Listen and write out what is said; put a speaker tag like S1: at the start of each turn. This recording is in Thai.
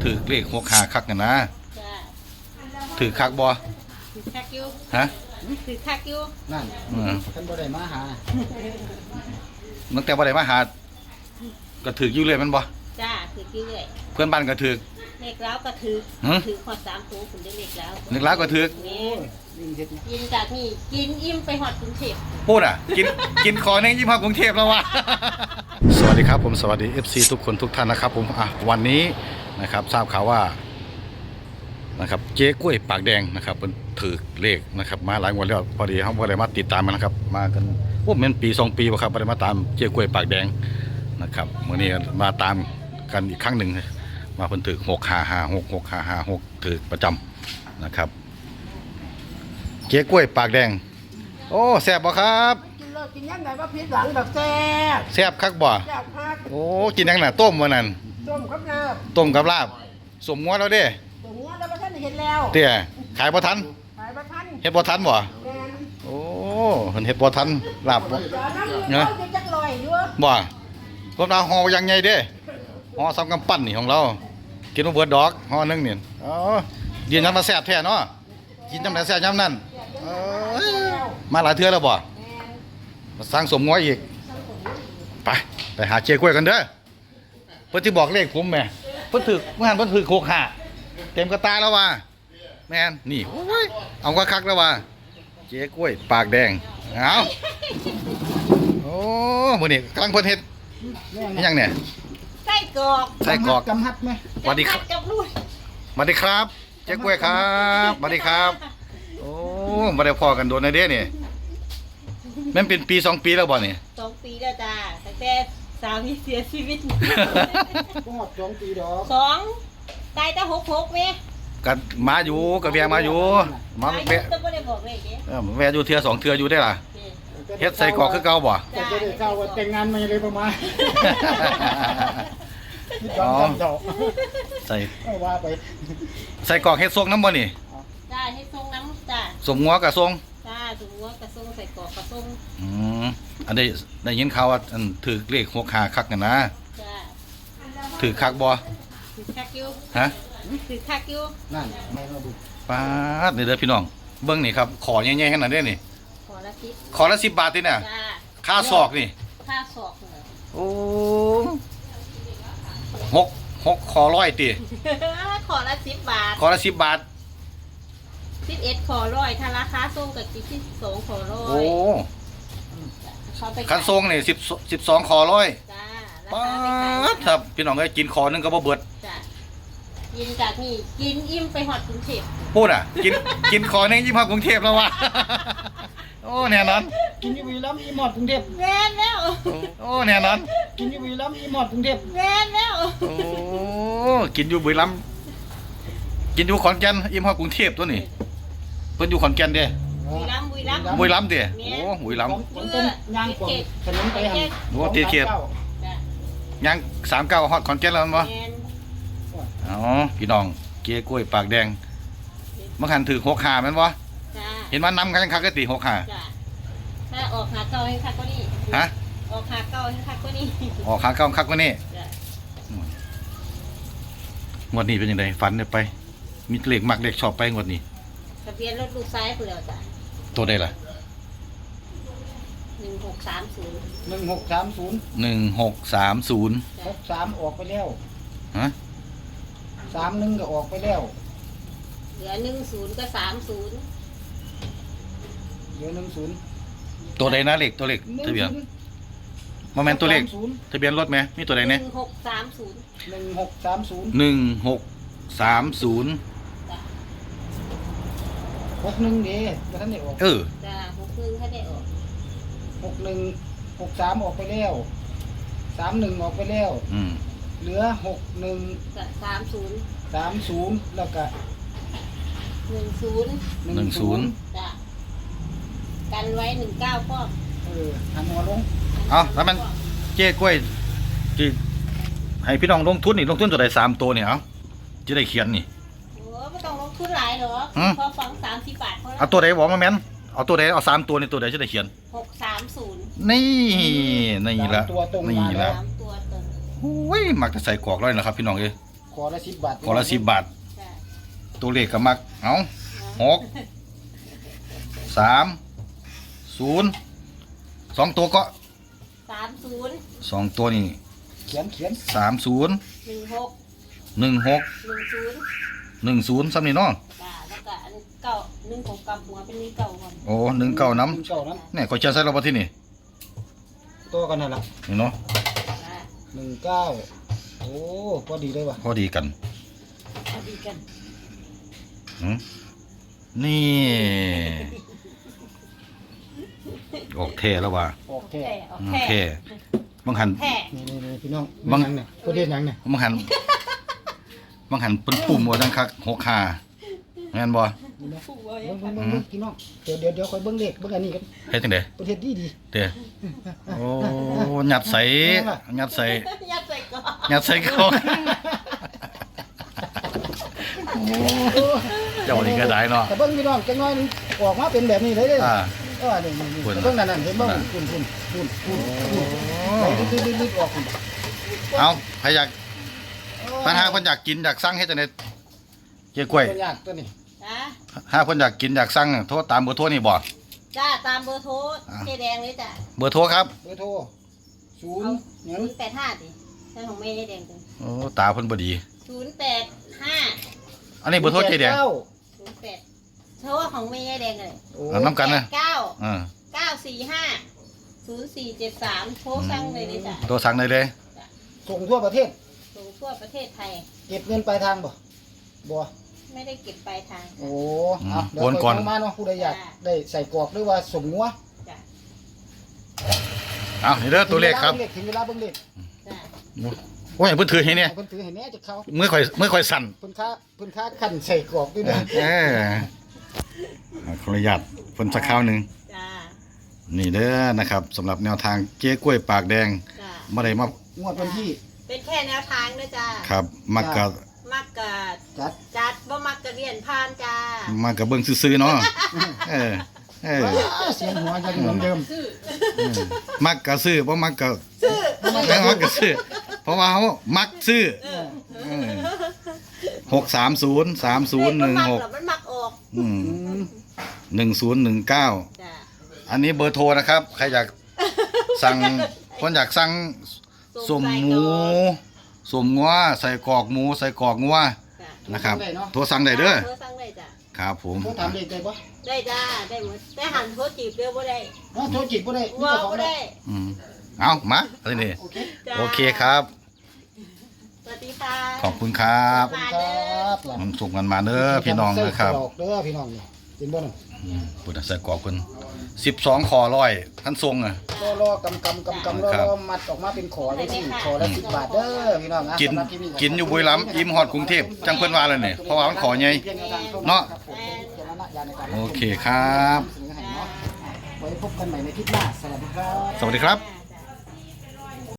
S1: ถือเลขหกหาคักกันนะ
S2: จ้า
S1: ถือคักบ่
S2: ถือคักอยู่
S1: ฮะ
S2: ถือคักอยู่
S3: นั่นท่านบ่ได้มาหา
S1: ตั้งแต่บ่ได้มาหาก็ถืออยู่เลยมันบ่
S2: จ้าถืออยู่เลย
S1: เพื่อนบ้านก็ถือ
S2: เล็กแล้วก็ถือขอด3ตัวคุณได้เล็กแล้ว
S1: เล็กแล้วก็ถือ
S2: กินจากนี่กินอิ่มไปหอดกรุงเทพ
S1: พูดอ่ะกินขอเน่งยิ้มหอดกรุงเทพแล้ววะ สวัสดีครับผมสวัสดี FC ทุกคนทุกท่านนะครับผมวันนี้นะครับทราบข่าวว่านะครับเจ๊กล้วยปากแดงนะครับเป็นถือเลขนะครับมาหลายวันแล้วพอดีเขาบ่ได้มาติดตามมันนะครับมากันมันปี2 ปีบ่ครับบ่ได้มาตามเจ๊กล้วยปากแดงนะครับมื้อนี้มาตามกันอีกครั้งหนึ่งมาเพิ่นถือ6556ถือประจำนะครับเจ๊กล้วยปากแดงโอ้แซ่บบ่ครับ
S3: กินเลิกกินยังไงว่าพิษหลังแบบแซ่บ
S1: แซ่บคักบ่
S3: แซ่บคัก
S1: โอ้กินยังน่ะต้มมื้อนั้น
S3: ต้มกับลาบ
S1: ต้มกับลาบสมงัวแล้วเด้
S3: สมงัวแล้วบ่ทันเห็นแล้ว
S1: เตี้ยขายบ่ทัน
S3: ขายบ่ทัน
S1: เฮ็ดบ่ทันบ่โอ้เพิ่นเฮ็ดบ่ทันลาบบ่
S3: เนาะจักลอยอยู่
S1: บ่ผมเอาห่อยังใหญ่เด้ห่อซ้ำกำปั้นนี่ของเรากินบ่เบิดดอกห่อนึงนี่อ๋อยืนยันมาแซ่บแท้เนาะกินจำไหนแซ่บจำนั้นมาหลายเทื่อแล้วบ่มาสร้างสมงัวอีกไปหาเจ๊กล้วยกันเด้อเพิ่นสิบอกเลขผมแม่เพิ่นถึกเมื่อหันเพิ่นถึก65เต็มกระตาแล้วว่าแม่นนี่โอ้ยเอาคักๆแล้วว่าเจ๊กล้วยปากแดงเอาโอ้มื้อนี้กำลังเพิ่นเฮ็ดยังเนี่ย
S2: ไส้กรอก
S3: กำฮัดไหม
S1: สวัสดีครับสวัสดีครับเจ๊กล้วยครับสวัสดีครับโอ้บ่ได้พอกันโดนในเด้นี่แม่นเป็นปี2 ปีแล้วบ่นี่
S2: 2 ปีแล้วจ้าตั้งแต่สามีเสียชีวิต
S3: ก็หอด2 ปีดอก
S2: ตายแต่66แม่
S1: กันมาอยู่กับแวะมาอยู่มาแวะ
S2: บ่ได้บอกเลยเด้
S1: แวะอยู่เทื่อ2 เทื่ออยู่ได้ล่ะเฮ็ดใส่กรอกคือเก่าบ่
S3: จะได้เจ้าว่าแต่งงานมาเลยประมาณ
S1: อ๋อใส่
S3: ว่าไป
S1: ใส่กรอกเฮ็ดทรงน้ำบ่นี่
S2: จ้าเฮ็ดทรงน้ำจ้า
S1: สมงัวกับทรง
S2: จ้าสมงัวกับทรงใส่กรอกกับทรง
S1: อันได้ยินข่าวว่าอันถือเลข65คักกันนะ
S2: จ้า
S1: ถือคักบ่
S2: ถือคักอยู่
S1: ฮะ
S2: ถือคักอยู่
S3: นั่นไม่มาดู
S1: ป๊าดเด้อพี่น้องเบิ่งนี่ครับขอใหญ่ๆขนาดนี้นี่ขอละ10 บาทติเนี่ยค่าศอกนี่
S2: ค่าศอก
S1: โอ้6ขอ100ติ
S2: ขอละ10 บาท
S1: ขอละ10 บาท
S2: 11ขอ100ถ้าราคาส่งก็ที่2ขอ100
S1: โอ้คันส่งนี่12ขอ100
S2: จ้า
S1: ป๊าดครับพี่น้องเอ้ยกินขอนึงก็บ่เบิด
S2: จ้ากินจากนี่กินอิ่มไปหอดกรุงเทพ
S1: พูดอ่ะกินขอนึงยิ้มหอดกรุงเทพแล้ววะโอ้แน่นอน
S3: กินอยู่บุรีรัมย์อีหมอดกรุงเทพ
S2: แม่นแล้ว
S1: โอ้แน่นอน
S3: กินอยู่บุรีรัมย์อีหมอดกรุงเทพ
S2: แม่นแล้ว
S1: โอ้กินอยู่บุรีรัมย์กินอยู่ขอนแก่นอิ่มหอดกรุงเทพตัวนี้เพิ่นอยู่ขอนแก่นเด้
S2: บุรีรัมย์
S1: เด้โอ้บุรีรัมย์
S3: ต้นยางกวงถนนไปหั่น
S1: โอ้ตีเขียบยาง39ฮอดขอนแก่นแล้วมั้งอ๋อพี่น้องเก๊กล้วยปากแดงมันหันถือ65แม่นบ่เห็นว่านำกันคักก็ติ65
S2: ถ้าออกหาเก่าให้คักกว่านี้
S1: ฮะ
S2: ออกหาเก่าให้คักกว่านี้
S1: ออกหาเก่าคักกว่านี้งวดนี้เป็นยังไงฝันได้ไปมีเลขมักเลขชอบไปงวดนี้
S2: ทะเบียนรถลูกซ้ายพุ่นแล้วจ้ะ
S1: ตัวใดล่ะ
S3: 1630 63ออกไปแล้ว
S1: ฮะ
S3: 31ก็ออกไปแล้ว
S2: เหลือ10ก็30
S3: เหลือ10
S1: ตัวใดนะเลขตัวเลขทะเบียนบ่แม่นตัวเลขทะเบียนรถมั้ยมีตัวใดแน่
S3: 1630 61เด้บ่ทันได้ออก
S2: จ้ะ61ถ้าได้ออก
S3: 61 63ออกไปแล้ว31ออกไปแล้วเหลือ61 30แล้วก็
S2: 10จ้ะกันไว้19ป้อม
S3: หันหัวลง
S1: แล้วมันเจ๊กล้วยที่ให้พี่น้องลงทุนนี่ลงทุนตัวใด3ตัวนี่จะได้เขียนนี่
S2: โอ้ไม่ต้องลงทุนหลายหรอกพอฟัง30 บาทพอ
S1: เอาตัวใดบอกมาแม่นเอาตัวใดเอา3ตัวนี่ตัวใดจะได้เขียน
S2: 630
S1: นี่ละ
S3: ตัวตรง
S1: นี่ละ
S2: 3ตัวตรง
S1: โอ้ยมักจะใส่กรอกร้อยนะครับพี่น้องเอ้ย
S3: ขอละ10 บาท
S1: ขอละ10 บาท
S2: จ้ะ
S1: ตัวเลขก็มักเอา6 3 0 2ตัวก็
S2: 30
S1: 2ตัวนี่
S3: เขียน
S1: 30
S2: 16
S1: 16
S2: 10
S1: 10ซ้ำนี่เนาะ
S2: จ้ะแล้วก็อันเก่า16กับหัวเป็นนี้เก่าก่อน
S1: โอ้19น้
S3: เก้านั้น
S1: ำเนี่ยก็เชื่อใส่เราบ่ที่นี่
S3: ตัวกันนั่นล่ะ
S1: นี่เนาะ
S2: จ้ะ
S3: 19โอ้พอดีเลยว่ะ
S1: พอดีกัน
S2: พอดีกัน
S1: หืมนี่ออกเท่แล้วว่ะ
S3: ออกแท้
S2: แท้โอ
S1: โอ
S2: เค
S1: เคบางหัน
S2: แท้
S3: นี่พี่น้อง
S1: บัง
S3: หยังเนี่ยประเทศหยังเนี่ย
S1: บางหันเป็นปุ่มว่าจังคัก6 5แม่นบ่
S3: นี่นะ
S2: ผู้ไว้
S3: เบิ่งพี่น้องเดี๋ยวค่อยเบิ่งเลขเบิ่งอันนี้กัน
S1: เฮ็ดจังได๋
S3: ประเทศดี
S1: เด้อโอ้หยัดใส่
S2: ยัดใส่ก่อน
S1: หยัดใส่เขา เจ้านี่ก็ได้เนาะ
S3: แต่เบิ่งพี่น้องจังน้อยนึงออกมาเป็นแบบนี้เลยเด้อ
S1: อ่า
S3: นี่
S1: คุณ
S3: เบิ่งนั่นเห็นบ่คุณไปลึกๆออกคุณ
S1: เอาใครอยากปัญหาคนอยากกินอยากสั่งเฮ็ดจังได๋เจ๊กล้วย
S3: คนยากตัวนี้
S2: จ้ะ
S1: ถ้าคนอยากกินอยากสั่งโทรตามเบอร์โทรนี่บ่
S2: จ้าตามเบอร์โทรเจ๊แดงเลยจ้ะ
S1: เบอร์โทรครับ
S3: เบอร์โทร0หยัง
S2: 085ดิใช่ของแม่แดงจ้ะ
S1: โอ้ตาเพิ่นบ่ดี
S2: 085
S1: อันนี้เบอร์โทรเจ๊แดง
S2: 08โทรของแม่แดงเลย
S1: เอาน้ำกันนะ
S2: 9
S1: อ่า
S2: 945 0473โทรสั่งเลยจ้ะ
S1: โทรสั่งได้เลย
S3: ส่งทั่วประเทศ
S2: ส่งทั่วประเทศไทย
S3: เก็บเงินปลายทางบ่บ่
S2: ไม่ได้เก็บปลายทาง
S3: โอ้เอาเดี๋ยวค่อยโทรมาเนาะผู้ใดอยากได้ใส่กรอกหรือว่าสมงัว
S2: จ้ะ
S1: เอานี่เด้อตัวเลขครับ
S3: ถึงเวลาเบิ่งเลข
S2: จ้ะ
S1: โอ้ยเพิ่นถือให้เนี่ย
S3: เพิ่นถือให้แหน่จะเข้า
S1: เมื่อค่อยสั่น
S3: เพิ่นค้าคั่นใส่กรอกด้วยนะ
S1: ขออนุญาตเพิ่นสักคราวหนึง
S2: จ้ะ
S1: นี่เด้อนะครับสำหรับแนวทางเจ๊กล้วยปากแดง
S2: จ้ะ
S1: บ่ได้มาง
S3: วดวันที่
S2: เป็นแค่แนวทางนะจ้ะ
S1: ครับมักกะ
S2: มักกะ
S3: จัด
S2: จัดบ่มักกะเรียนผ่านจ้า
S1: มักกะเบิ่งซื่อๆเนาะเออเออ
S3: เสียงหัวยังเหมือนเดิม
S1: มักกะซื้อบ่มักกะ
S2: ซื้อ
S1: ไม่มักกะซื้อเพราะว่าเฮามักซื้อ630 3016
S2: มันมักออก
S1: อืม
S3: อืม
S1: 1019
S2: จ้ะ
S1: อันนี้เบอร์โทรนะครับ ใครอยากสั่งคนอยากสั่งสมหมูสมงัวใส่กรอกหมูใส่กรอกงัว
S2: จ้ะ
S1: นะครับโทรสั่งได้เด้อ
S2: โทรสั่งได้จ้ะ
S1: ครับผม
S3: โทรถามเลขได้บ่
S2: ได้จ้าได้หมดได้หันโทรจีบเดียวบ่ได้
S3: โทรจิตบ่ได้
S2: ว่าบ่ได้
S1: อืมเอามาอันนี้
S3: โอเค
S2: จ้า
S1: โอเคครับ
S2: สวัสดีค่ะ
S1: ขอบคุณครับ
S2: มา
S3: ค
S2: เด้
S3: รั
S2: อ
S3: บ
S1: มันสุกกันมาเด้อพี่น้องนะครับ
S3: ใส่กอกเด้อพี่น้องนี่กินบ่น่ะ
S1: ปุถะใส่กรอกเพิ่น12คอร้อยท่านทรงอ่ะ
S3: รอกำรอมัดออกมาเป็นขอได้ที่ขอละ10 บาทเด้อพี่น้องะ
S1: กิน
S3: สำหรับที่
S1: กินอยู่บุรีรัมย์อิ่มฮอดกรุงเทพจังเพิ่นว่าแล้วนี่เพราะว่ามันขอใหญ่ เนาะ โอเคครับ
S3: ไว้พบกันใหม่ในคลิปหน้าสวัสดีครับ
S1: สวัสดีครับ
S2: จ้า